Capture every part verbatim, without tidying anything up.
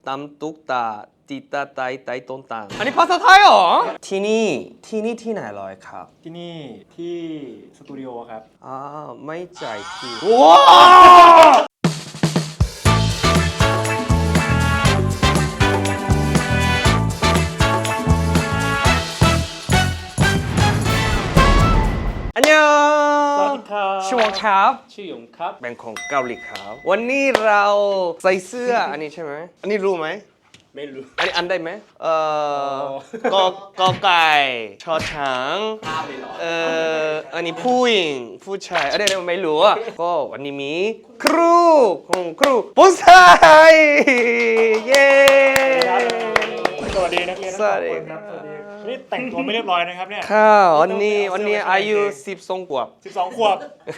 ตำตุกตาติตาไตไตต้นตังอันนี้ภาษาไทยเหรอที่นี่ที่นี่ที่ไหนลอยครับที่นี่ที่สตูดิโอครับอ่าไม่ใจที่ว้าวอันยองสวัสดีครับชื่อวงครับชื่อหยงครับแบงของเกาหลีครับวันนี้เราใส่เสื้ออันนี้ใช่ไหมอันนี้รู้ไหมไม่รู้อันนี้อันได้ไหมเอ่อกอกอไก่ชอช้างเอ่ออันนี้ผู้หญิงผู้ชายอะไรไม่รู้อ่ะก็วันนี้มีครูของครูปุ้ยเย้สวัสดีนักเรียนทั้งสองคนครับสวัสดีนี่แต่งตัวไม่เรียบร้อยนะครับเนี่ยค่ะวันนี้วันนี้อายุสิบสองขวบสิบสองขวบ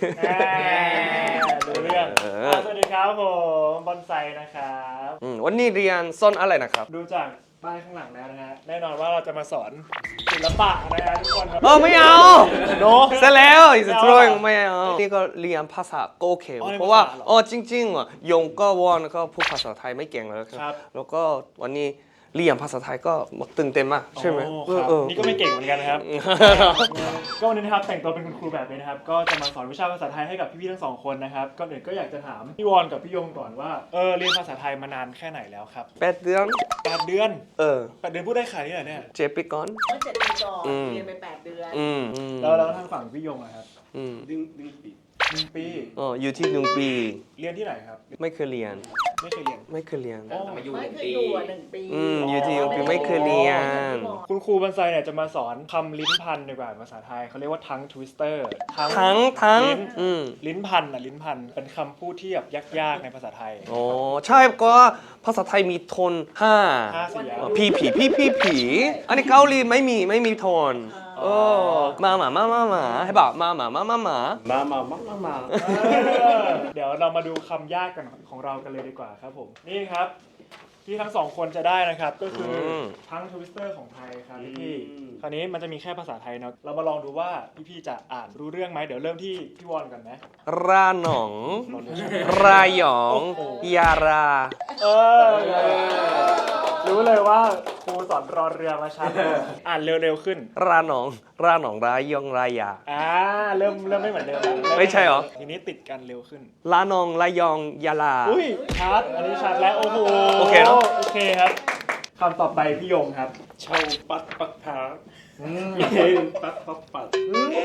ดูเรื่องสวัสดีครับผมบอนไซนะครับวันนี้เรียนสอนอะไรนะครับดูจากป้ายข้างหลังแล้วนะฮะแน่นอนว่าเราจะมาสอนศิลปะนะฮะทุกคนครับเออไม่เอาโนเสร็จแล้วอีกสักทีไม่เอานี่ก็เรียนภาษาโอเคเพราะว่าอ๋อจริงๆอ่ะยงก็วอนก็พูดภาษาไทยไม่เก่งแล้วครับแล้วก็วันนี้เรียนภาษาไทยก็ตื่นเต้นมากใช่ไหมนี่ก็ไม่เก่งเหมือนกันนะครับก็วันนี้นะครับแต่งตัวเป็นคุณครูแบบนี้นะครับก็จะมาสอนวิชาภาษาไทยให้กับพี่ๆทั้งสองคนนะครับก่อนอื่นก็อยากจะถามพี่วอนกับพี่ยงก่อนว่าเออเรียนภาษาไทยมานานแค่ไหนแล้วครับแปดเดือนแปดเดือนเออแปดเดือนพูดได้ขนาดนี้เหรอเนี่ยเจ็ดปีก่อนเมื่อเจ็ดปีก่อนเรียนไปแปดเดือนแล้วแล้วทางฝั่งพี่ยงอะครับดึงดึงปีหนึ่งปีอ๋ออยู่ที่หนึ่งปีเรียนที่ไหนครับไม่เคยเรียนไม่เคยเรียนไม่เคยเรียนไม่เคยอยู่หนึ่งปีอืมอยู่ที่หนึ่งปีไม่เคยเรียนคุณครูบรรไซเนี่ยจะมาสอนคำลิ้นพันดีกว่าภาษาไทยเขาเรียกว่าทั้งทวิสเตอร์ทั้งทั้งลิ้นพันอ่ะลิ้นพันเป็นคำพูดที่แบบยากๆในภาษาไทยโอ้ใช่ก็ภาษาไทยมีโทนห้าผีผีผีผีผีอันนี้เกาหลีไม่มีไม่มีโทนโอ้มาหมามามาหมาให้บอกมาหมามามาหมามามามามามาเดี๋ยวเรามาดูคำยากกันของเรากันเลยดีกว่าครับผมนี่ครับที่ทั้งสองคนจะได้นะครับก็คือทั้งทวิสเตอร์ของไทยครับพี่คราวนี้มันจะมีแค่ภาษาไทยเนาะเรามาลองดูว่าพี่ๆจะอ่านรู้เรื่องไหมเดี๋ยวเริ่มที่พี่วอนกันไหมราหนองรายองยาราเออรู้เลยว่าครูสอนรอเรือมาชัดอ่านเร็วๆขึ้นราหนองราหนองรายองรายาอ่าเริ่มเริ่มไม่เหมือนเดิมไม่ใช่หรอทีนี้ติดกันเร็วขึ้นราหนองรายองยาลาอุ้ยชัดอันนี้ชัดแล้วโอ้โหโอเคเนาะโอเคครับคำต่อไปพี่ยงครับชาวปัดปักผาเย็นปัดปักปัด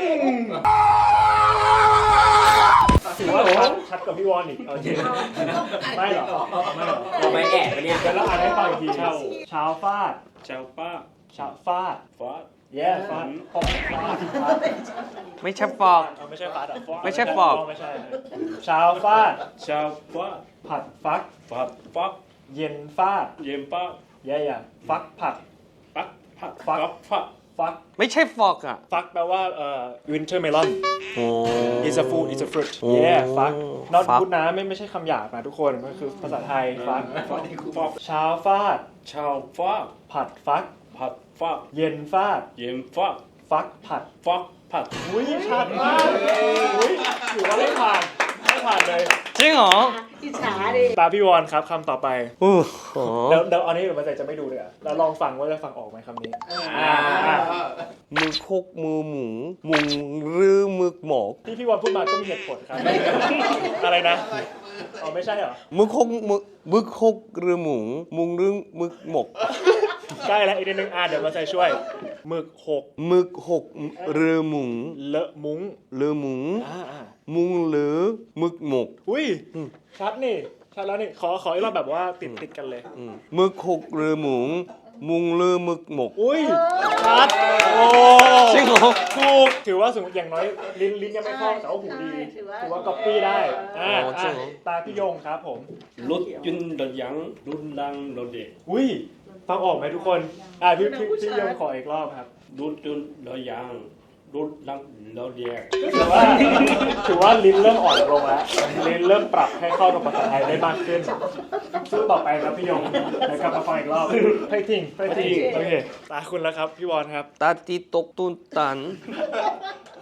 ถือว่าชัดชัดกับพี่วอนอีกเอาจริงไม่หรอไม่หรอเราไม่แอบเนี่ยเดี๋ยวเราอ่านให้ฟังอีกทีชาวชาวฟาดชาวป้าชาวฟาดฟาดแย่ฟาดฟาดไม่ใช่ฟอกไม่ใช่ฟาดอ่ะไม่ใช่ฟอกไม่ใช่ชาวฟาดชาวฟาดผัดฟักผัดฟักเย็นฟาดเย็นป้าแย่อย่างฟักผัดปักผัดฟักฟักฟักไม่ใช่ฟอกอ่ะฟักแปลว่าเอ่อ winter melon โอ้ is a food is a fruit yeah ฟัก not good นะไม่ไม่ใช่คำหยาบนะทุกคนมันคือภาษาไทยฟักเช้าฟาดเช้าฟาดผัดฟักผัดฟักเย็นฟาดเย็นฟักฟักผัดฟักผัดอุ้ยชัดมากอุ้ยถือว่าไม่ผ่านไม่ผ่านเลยจริงเหรออิจฉาดิตาพี่วอนครับคำต่อไปโอ้โหเดี๋ยวเดี๋ยวอันนี้เดี๋ยวมันจะไม่ดูเลยแล้วลองฟังว่าจะฟังออกไหมคำนี้มือคกมือหมูมุงรือมือหมกที่พี่วอนพูดมาก็มีเหตุผลครับอะไรนะอ๋อไม่ใช่เหรอมือคกมือมือคกรือหมูมุงรือมือหมกใกล้แล้วอีกนิดนึงอ่ะเดี๋ยวมาใส่ช่วยหมึกหกหมึกหกเรือหมุงเลอะมุ้งเรือหมุงมุงหรือหมึกหมกอุ้ยชัดนี่ชัดแล้วนี่ขอขออีกรอบแบบว่าติดติดกันเลยหมึกหกเรือหมุงมุงเรือหมึกหมกอุ้ยชัดโอ้จริงเหรอถูกถือว่าสมมติอย่างน้อยลิ้นลิ้นยังไม่คล่องแต่ว่าหูดีถือว่าก๊อปปี้ได้อ่าตาพี่ยงครับผมรถยุนรถยังรุ่นดังรถเด็กอุ้ยฟังออกไหมทุกคนอ่าพี่พี่พี่ยงขออีกรอบครับรถยุนรถยังรุ่นดังรถเด็กถือว่าถือว่าลิ้นเริ่มอ่อนลงแล้วลิ้นเริ่มปรับให้เข้ากับภาษาไทยได้มากขึ้นสู้ต่อไปครับพี่ยงเดี๋ยวกลับมาฟังอีกรอบไฟติ้งไฟติ้งโอเคตาคุณแล้วครับพี่วอนครับตาตีตกตุนตัน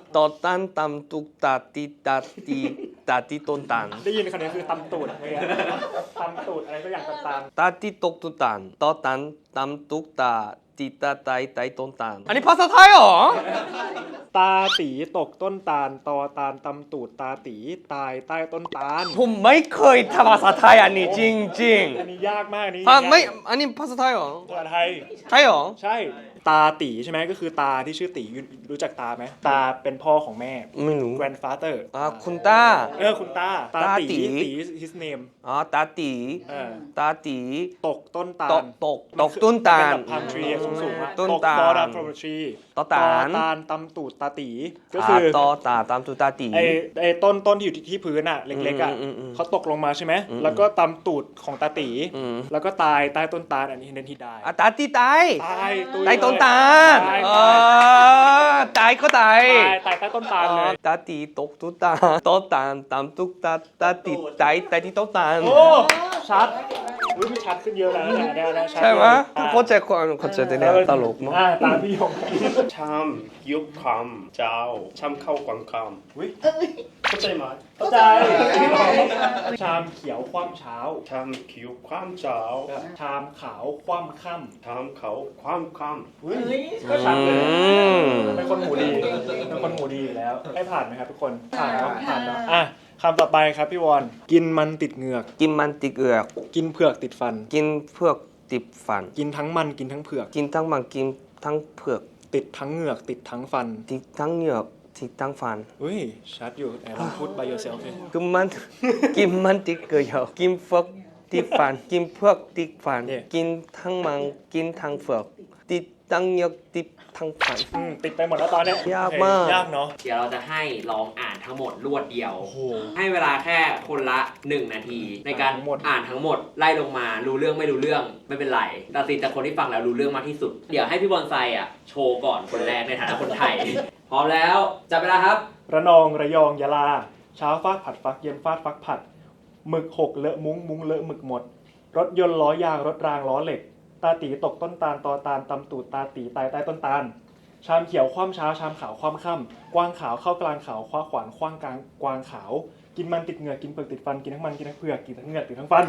ตอตันตำตุกตาตีตาตีตาตีต้นตาลได้ยินคำนี้คือตำตูดอะไรเงี้ยตำตูดอะไรสักอย่างต่างตาตีตกตุตานตอตันตำตุกตาตีตาไตไตต้นตาลอันนี้ภาษาไทยเหรอๆตาตีตกต้นตาลตอตาลตำตูดตาตีตายใต้ต้นตาลผมไม่เคยทำภาษาไทยอันนี้จริงจริงอันนี้ยากมากอันนี้ๆอ่ะไม่อันนี้ภาษาไทยเหรอภาษาไทยใช่เหรอใช่ตาตีใช่ไหมก็คือตาที่ชื่อตีรู้จักตาไหมตาเป็นพ่อของแม่ไม่รู้ grandfather อ่าคุณตาเออคุณตาตาตาตีตีตี his name อ๋อตาตีเออตาตีตกต้นตาตลกตกตกต้นตาลเป็นแบบ palm tree สูงๆอะต้นตกตาล fall down from a tree ต้นตาลตาลตำตูดตาตีก็อ่าคือตอตาตามตุตาตีไอ้ไอ้ต้นต้นที่อยู่ที่ที่พื้นอ่ะเล็กๆอ่ะอืมอืมอืมเขาตกลงมาใช่ไหมอืมแล้วก็ตำตูดของตาตีอืมแล้วก็ตายใต้ต้นตาลอันนี้เน้นที่ได้อ่ะตาตีตายตายตุยตายต้นตาลตายเออตายก็ตายตายตายใต้ต้นตาลเลยตาตีตกตุตาต้นตาลตามตุกตาตาตีตายตายที่ต้นตาลโอ้ชัดอุ้ยมันชัดขึ้นเยอะแล้วนะแนวนะชัดใช่ไหมอ่ะเข้าใจความเข้าใจแต่เนี่ยตลกมั้งอ่าตามพี่ยงชามยุบคำเจ้าชามเข้ากวางคอุ้ยำเข้าใจไหมเข้าใจชามเขียวคว่ำเช้าชามคิ้วความเจ้าชามขาวคว่ำค่ชามเขาความคำอุ้ยเฮ้ยก็ชัดเลยอืมเป็นคนหูดีเป็นคนหูดีอยู่แล้วให้ผ่านไหมครับทุกคนผ่านเนาะผ่านเนาะอ่ะคำต่อไปครับพี่วอนกินมันติดเหงือกกินมันติดเอือกกินเผือกติดฟันกินเผือกติดฟันกินทั้งมันกินทั้งเผือกกินทั้งมันกินทั้งเผือกติดทั้งเหงือกติดทั้งฟันติดทั้งเหงือกติดทั้งฟันอุ้ยชัดอยู่ไหนลองพูด by yourself สิกินมัน กินมันติดเกลือกินเผือกติดฟัน กินเผือกติดฟัน กินทั้งมันกินทั้งเผือกติดทั้งเหงือกติดทั้งฟันอืมติดไปหมดแล้วตอนเนี้ยยากมากโอเคยากเนาะเดี๋ยวเราจะให้ลองอ่านทั้งหมดรวดเดียวโอ้โหให้เวลาแค่คนละหนึ่งนาที ในการทั้งหมดอ่านทั้งหมดไล่ลงมารู้เรื่องไม่รู้เรื่องไม่เป็นไรตัดสินจากคนที่ฟังแล้วรู้เรื่องมากที่สุด เดี๋ยวให้พี่บอลไซอ่ะโชว์ก่อนคนแรกในฐานะคนไทย พร้อมแล้วจับเวลาครับระนองระยองยะลาเช้าฟาดผัดฟักเย็นฟาดฟักผัดหมึกหกเลอะมุ้งมุ้งเลอะหมึกหมด รถยนต์ล้อยางรถรางล้อเหล็ก ตาตีตกต้นตาลตอตาลตำตูดตาตีตายใต้ต้นตาล ชามเขียวคว่ำเช้าชามขาวคว่ำค่ำกวางขาวเข้ากลางขาวคว้าขวานคว้างกลางกวางขาว กินมันติดเหงือกกินเปลือกติดฟันกินทั้งมันกินทั้งเปลือกกินทั้งเหงือกติดทั้งฟัน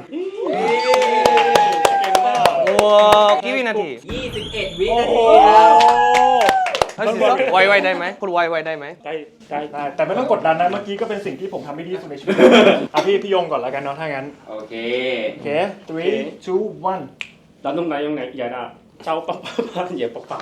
เก่งมากว้าวกี่วินาทียี่สิบเอ็ดวิโอ้นาโหทีครับเฮ้ยไวไวได้ไหมคุณไวไวได้ไหมได้ได้ได้แต่ไม่ต้องกดดันนะเมื่อกี้ก็เป็นสิ่งที่ผมทำไม่ดีที่สุดในชีวิตอ่ะพี่พี่ยงก่อนแล้วกันเนาะถ้างั้นโอเคโอเค three two one 나는 나영 내 야나 짜오 빠빠빠 예 빠빠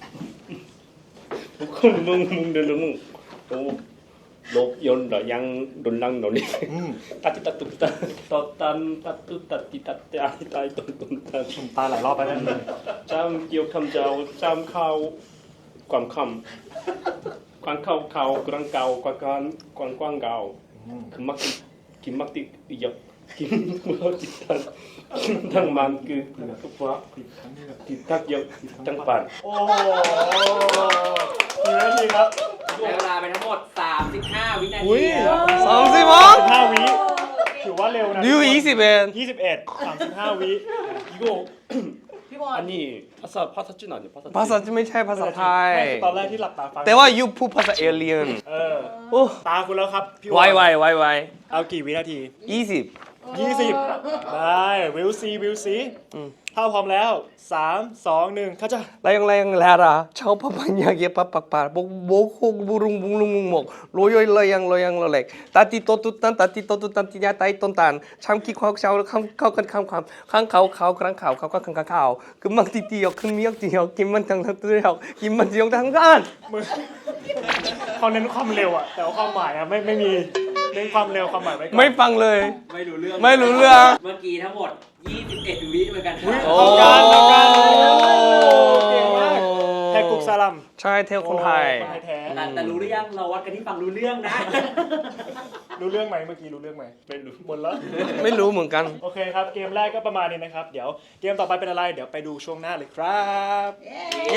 묵묵묵묵르르묵 또 녹연 러양 론랑 너니 อืม 따뜻 따뜻 따뜻 딴 따뜻 따뜻 따뜻 아니 따뜻 딴딴 ตาหลายรอบไปแล้วนะ 짬 기억 탐자오 짬 카오 꽝캄 꽝카오 카오 그랑 까오 꽝꽝 꽝꽝 까오 อืม 금막디 김막디 역 김막디 탄 김탕만 그 뚝과 ผิดครั้งนี้แบบ 디탁 역 짱반 โอ้โหกี่นาทีครับใช้เวลาไปทั้งหมดสามสิบห้าวินาอุ้ทียครับสามสิบมั้งสิบห้าวิถือว่าเร็วนะดิวยี่สิบเอ็ดยี่สิบเอ็ดสามสิบห้าวิ 이거 พี่บอล 아니 파사 파사진 아니야 ภาษา 파사진 จะไม่ใช่ภาษาไทยไม่คือตอนแรกที่หลับตาฟังแต่ว่ายูพูดภาษาเอเลียนเออโอ้ตาคุณแล้วครับพี่ไวไวไวไวเอากี่วินาทียี่สิบยี่สิบได้วิวซีวิวซีอืมถ้าพร้อมแล้วสามสองหนึ่งเขาจะแรงแรงแลราชาวพะปัญญาเยปะปักปาบกบกฮกบุรุงบุรุงมุงหมกโรยอยลอยยังลอยยังลอยเล็กตาติโตตุตันตาติโตตุตันติยาไตต้นตาลช้ำขี้ควาวเช้าข้ามเข้ากันข้ามความข้างเขาเขาครั้งเขาเขาก็ข้างเขาคือมังติตีออกขึ้นมีออกตีออกกินมันทั้งทั้งตัวออกกินมันจีออกทั้งด้านมือเขาเน้นความเร็วอะแต่ว่าความหมายอะไม่ไม่มีเน้นความเร็วความหมายไว้ก่อนไม่ฟังเลยไม่รู้เรื่องไม่รู้เรื่องเมื่อกี้ทั้งหมดยี่สิบเอ็ดวิเหมือนกันคอุ๊ยรับโอ้เท่ากันเท่ากันเก่งมากแทกุกซาลัมใช่เทลคนไทยโอ้คนไทยแท้แต่แต่รู้หรือยังเราวัดกันที่ฟังรู้เรื่องนะรู้เรื่องไหมเมื่อกี้รู้เรื่องไหมไม่รู้หมดแล้วไม่รู้เหมือนกันโอเคครับเกมแรกก็ประมาณนี้นะครับ เดี๋ยวเกมต่อไปเป็นอะไร เดี๋ยวไปดูช่วงหน้าเลยครับเย้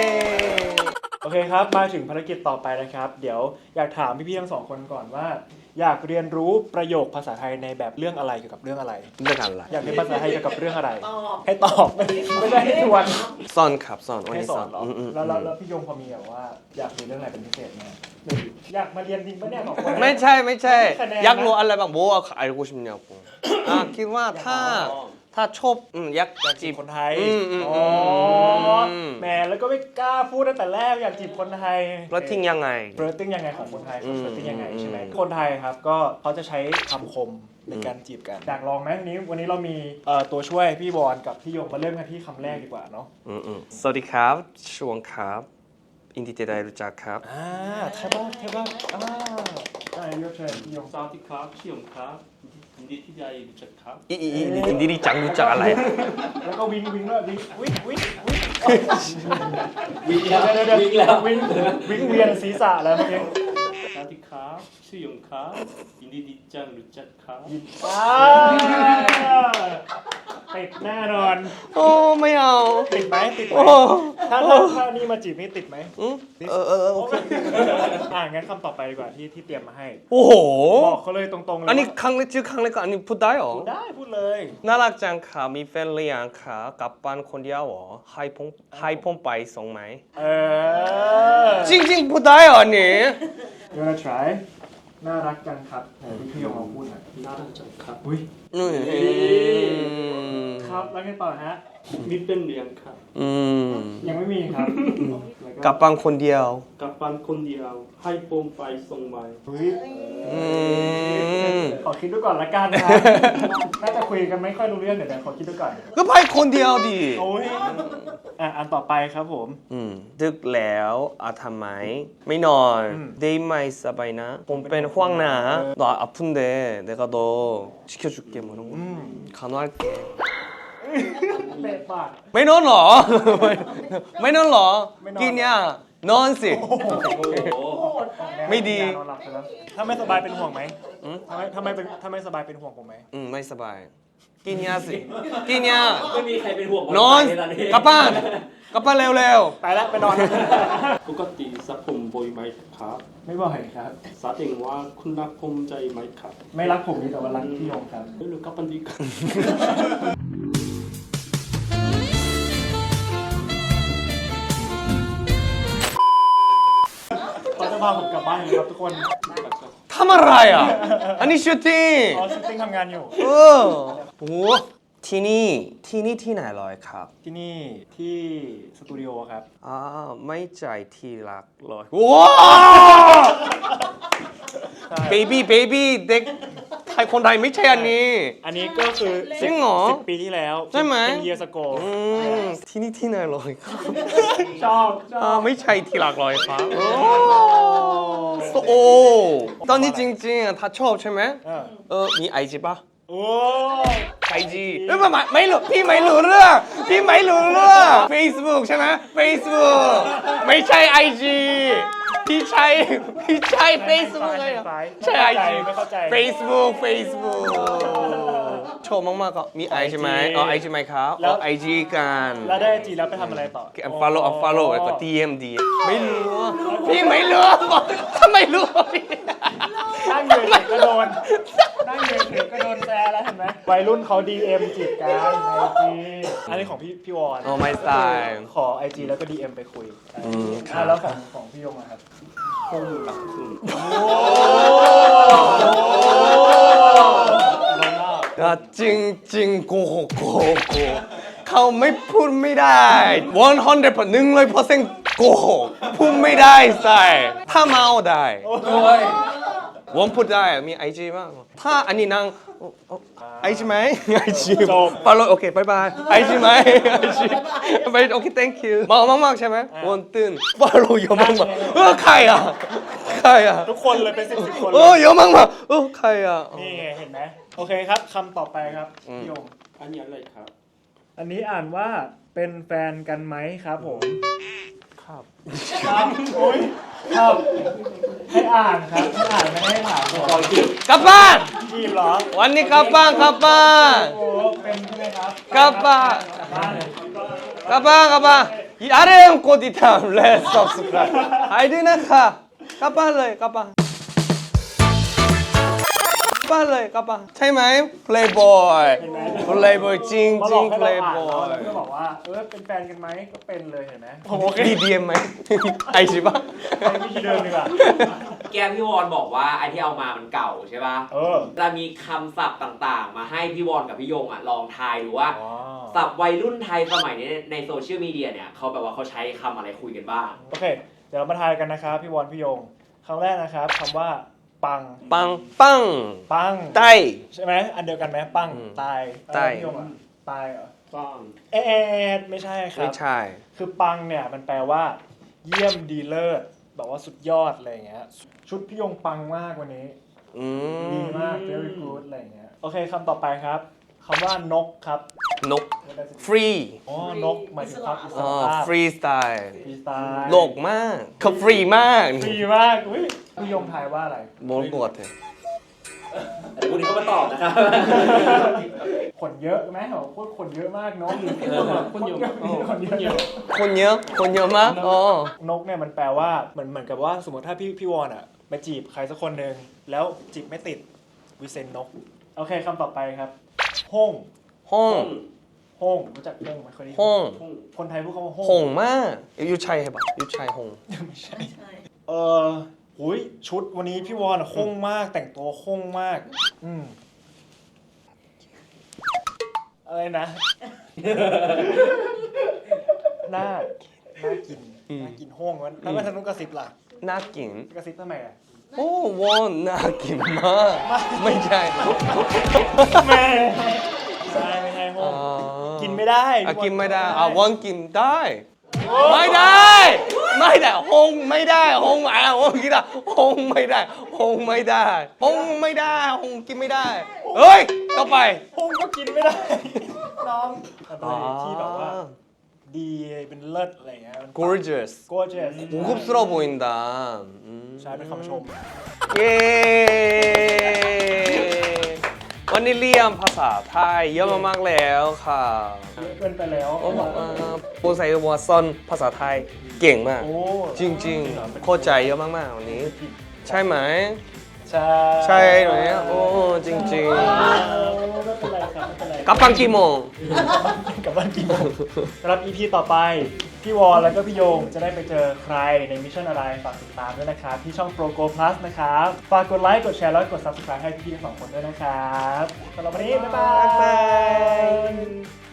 โอเคครับมาถึงภารกิจต่อไปนะครับ เดี๋ยวอยากถามพี่ๆทั้งสองคนก่อนว่าอยากเรียนรู้ประโยคภาษาไทยในแบบเรื่องอะไรเกี่ยวกับเรื่องอะไรเรื่องอะไรอยากเรียนภาษาไทยเกี่ยวกับเรื่องอะไรตอบให้ตอบ ไม่ได้ให้ทวนซ่อนครับซ่อนวันให้นี้สซ่ออน นเหรออืมอืมแล้วแล้วแล้วพี่ยงพอมีแบบว่าอยากเรียนเรื่องอะไรเป็นพิเศษไหมอยากมาเรียนจริงปะเนี่ยสองคนไม่ใช่ไม่ใช่ไม่คะแนนนะอยากรู้อะไรบ้างโบ알고싶냐고อ่ะคิดว่าถ้าถ้าชอบอืมอยากอยากจีจีบบ คนไทยอืมอืมอ๋ออมแหมแล้วก็ไม่กล้าพูดตั้งแต่แรกอยากจีบคนไทยแล้วทิ้งยังไงเฟรตติ้งยังไงของคนไทยอืมเฟรตติ้งยังไงใช่ไหมอืมคนไทยครับก็เขาจะใช้คำคมในการจีบกันอยากลองไหมวันนี้วันนี้เรามีเอ่อตัวช่วยพี่บอลกับพี่ยงมาเริ่มกันที่คำแรกดีกว่าเนาะอืมอืมสวัสดีครับชวงครับอินดีเจได้รู้จักครับอ่าใช่ป่ะใช่ป่ะอ่าอ่ายกเชิญพี่ยงสวัสดีครับชื่อผมครับยินดีที่ได้รู้จักครับอีอีอีอินดีดีจังรู้จักอะไรอะแล้วก็วิ่งวิ่งด้วยวิ่งวิ่งวิ่งวิ่งวิ่งแล้วเดี๋ยวเดี๋ยววิ่งแล้ววิ่งวิ่งเวียนศีรษะแล้วเมื่อกี้สวัสดีครับชื่อยงครับยินดีที่จังรู้จักครับอ่าติดแน่นอนโอ้ไม่เอาติดไหมติดไหมโอ้ถ้าถ้าถ้านี่มาจีบนี่ติดไหมอืมเออเออเออโอเคอ่างั้นคำต่อไปดีกว่าที่ที่เตรียมมาให้โอ้โหบอกเขาเลยตรงๆเลยอันนี้ว่าครั้งแรกชื่อครั้งแรกก็อันนี้พูดได้เหรอพูดได้พูดเลยน่ารักจังค่ะมีแฟนหรือยังคะกลับบ้านคนเดียวเหรอให้ผมให้ผมไปส่งไหมเออจริงๆพูดได้เหรออันนี้ You wanna try น่ารักจังครับไหนพี่พี่ยงลองพูดหน่อยน่ารักจังครับอุ้ยอืมครับแล้วไงต่อฮะมีเป็นเรียนครับอืมยังไม่มีครับกลับบ้านคนเดียวกลับบ้านคนเดียวให้ผมไปส่งไหมอุ้ยอืมขอคิดดูก่อนละกันนะ น่าจะคุยกันไม่ค่อยรู้เรื่องเดี๋ยวเดี๋ยวขอคิดดูก่อนก็ไปคนเดียวดิโอ้ยอ่ะอันต่อไปครับผมอืมดึกแล้วอาทำไมไม่นอนอืมได้ไหมสบายนะผมเป็นห่วงนะ너 아픈데 내가 너 지켜줄게 뭐 이런 거 อืม 간호할게 เละปากไม่นอนเหรอ ไม่นอนเหรอไม่นอนกินยังนอนสิโอ้โหไม่ดีนอนหลับไปแล้วถ้าไม่สบายเป็นห่วงไหมอืมทำไมทำไมเป็นถ้าไม่สบายเป็นห่วงผมไหมอืมไม่สบาย กินยาสิ กินยาไม่มีใครเป็นห่วงนอนใตอนนี้กลับบ้านกลับบ้านเร็วไปแล้วไปนอนปกติสระผมบ่อยไหมครับไม่บ่อยครับแสดงว่าคุณรักผมใจไหมครับไม่รักผมนี่แต่ว่ารักพี่ยงครับไม่รู้กับปันดีครับเขาจะพาผมกลับบ้านครับทุกคนๆทำอะไรอ่ะ อันนี้ชูติ้งอ๋อซิตติ้งทำงานอยู่เออโหที่นี่ที่นี่ที่ไหนลอยครับที่นี่ที่สตูดิโอครับอ่าไม่ใจที่รักลอยว้าวใช่เบบี้เบบี้เด็กไทยคนไทยไม่ใช่อันนี้อันนี้ก็คือจริงเหรอสิบปีที่แล้วใช่ไหมเป็นเยียสโกอืมที่นี่ที่ไหนลอยครับชอบชออ่าบไม่ใช่ที่รักลอยครับโอ้โอ้ตอนนี้จริงๆอ่ะถ้าชอบใช่ไหมเออเออมีไอจีปะโอ้ไอจีเอ้ยไม่ไม่ไม่รู้พี่ไม่รู้เรื่องพี่ไม่รู้เรื่อง Facebook ใช่ไหม Facebook ไม่ใช่ไอจีพี่ใช่พี่ใช่ Facebook เลยเหรอใช่ไอจีไม่เข้าใจ Facebook Facebook โชว์มากๆก็มีไอใช่ไหมอ๋อไอจีไหมครับอ๋อไอจีกันแล้วได้จีแล้วไปทำอะไรต่อ follow follow แล้วก็ ดี เอ็ม ดี ไม่รู้อะพี่ไม่รู้ทำไมรู้นั่งยืนเฉยก็โดน นั่งยืนเฉยก็โดนแซะแล้วเห็นไหมวัยรุ่นเขา ดี เอ็ม จีบกันไอจีอันนี้ของพี่พี่วอนโอ้ไม่ตายขอ ไอ จี แล้วก็ ดี เอ็ม ไปคุยอืมคอ่ะรับแล้วของของพี่ยงอะครับผมรักคุณอ่ะจริงจริงโกหกโกหกโกหกเขาไม่พูดไม่ได้one hundred percent หนึ่งร้อยเปอร์เซ็นต์โกหกพูดไม่ได้ใส่ถ้าเมาได้โอ้ยผมพูดได้มีไอจีบ้างถ้าอันนี้นางไอจีไหมไอจีฟอลโล่โอเคบายบายไอจีไหมไอจีไปโอเค thank you มากมากมากใช่ไหมวันตื่นฟอลโล่เยอะมากมากเออใครอ่ะใครอ่ะทุกคนเลยเป็นสิบสิบคนเลเออย เยอะมากมากเออใครอ่ะนี่ไงเห็นไหมโอเคครับคำต่อไปครับพี่ยงอันนี้อะไรครับอันนี้อ่านว่าเป็นแฟนกันไหมครับผมครับครับโอ้ยครับ ให้อ่านครับให้อ่านไม่ให้ถามก่อนกลับบ้านจีบเหรอวันนี้กลับบ้านกลับบ้านโอ้เป็นใช่ไหมครับกลับบ้านกลับบ้านเลยกลับบ้านกลับบ้าน이 아래 형กดติดตาม Let's subscribe ให้ด้วยนะคะกลับบ้านเลยกลับบ้านบ้านเลยกลับบ้านใช่ไหม playboy เห็นไหม playboy จริงมาจบริอง กให้เราอ่านแล้ว playboy แล้วก็บอกว่าเออเป็นแฟนกันไหมก็เป็นเลยเห็นไหมผมโอเคดีดีเอ็มไหม ไอใช่ปะไปวิธีเดิมดีกว่าแกพี่วอนบอกว่าไอที่เอามามันเก่าใช่ป่ะเออจะมีคำศัพท์ต่างๆ มาให้พี่วอนกับพี่ยงอ่ะลองทายดูว่าอ๋อศัพท์วัยรุ่นไทยสมัยนี้ในโซเชียลมีเดียเนี่ยเขาแบบว่าเขาใช้คำอะไรคุยกันบ้างโอเค เดี๋ยวเรามาทายกันนะครับพี่วอนพี่ยงคำแรกนะครับคำว่าปังปังปังปังใต้ใช่ไหมอันเดียวกันไหมปังอืมตายตายเออพี่ยงอะตายเหรอบ้างเอ๊ะไม่ใช่ครัไม่บใช่คือปังเนี่ยมันแปลว่า เยี่ยมดีเลิศแบบว่าสุดยอดอะไรอย่างเงี้ยชุดพี่ยงปังมากวันนี้อืดีมมาก very good อะไรอย่างเงี้ยโอเคคำต่อไปครับคำว่านกครับนก free อ๋อนกหมายถึงความอิสอ๋อระภาพ free style ฟรีสไตล์โลกมากเขาฟรีมากฟรีมากอุ้ยพี่ยงทายว่าอะไรโบนกดเลยเดี๋ยวพรุ่งนี้เขามาตอบนะครับขนเยอะไหมเหรอโคตรขนเยอะมากเนาะคนเยอะคนเยอะคนเยอะ คนเยอะมากอ๋อนกเนี่ยมันแปลว่าเหมือนเหมือนกับว่าสมมติถ้าพี่พี่วอนอ่ะไปจีบใครสักคนหนึ่งแล้วจีบไม่ติดวิเซนนกโอเคคำต่อไปครับห้องห้องห้องรู้จักห้องไหมเคยได้ยินห้องคนไทยพูดคำว่าห้องหงมากยูชัยเหรอยูชัยหงไม่ใช่ใช่เออหุยชุดวันนี้พี่วอนอะห้องมากแต่งตัวห้องมาก อืมอะไรนะ น่าน่ากินน่ากินห้องมันแล้วมาทางนู้นกระซิบล่ะน่ากินกระซิบทำไมอ่ะโอ้วอนน่ากินมาก ไม่ใช่แม่ใช่ไม่ใช่ห้อง กินไม่ได้อ่ะกินไม่ได้อ่ะวอนกินได้ ไม่ได้ ไม่ได้หงไม่ได้หงอ่ะหงกินได้หงไม่ได้หงไม่ได้หงไม่ได้หงกินไม่ได้ เฮ้ย ต่อไปห้องก็กินไม่ได้ น้องอะไรที่แบบว่า ดีเป็นเลิศอะไรเงี้ย gorgeous gorgeous 고급스러워 보인다. 음. ใช้เป็นคำชม 예. วันนี้เรียนภาษาไทยเยอะมากๆแล้วค่ะเยอะเกินไปแล้วโอ้บอกว่าปูใส่วัวซ่อนภาษาไทยเก่งมากโอ้จริงๆเข้าใจเยอะมากๆวันนี้ ใช่ไหมใช่ใช่ไหมโอ้จริงโอ้ไม่เป็นไรครับไม่เป็นไรๆกลับฟังกี่โมงกลับบ้านกี่โมงสำหรับ อี พี ต่อไป พี่วอลแล้วก็พี่โยงจะได้ไปเจอใครในมิชชั่นอะไรฝากติดตามด้วยนะครับที่ช่อง Pro Go Plus นะครับ ฝากกดไลค์กดแชร์แล้วกด Subscribe ให้พี่ทั้งสองคนด้วยนะครับสำหรับวันนี้ บ๊ายบายบ๊ายบาย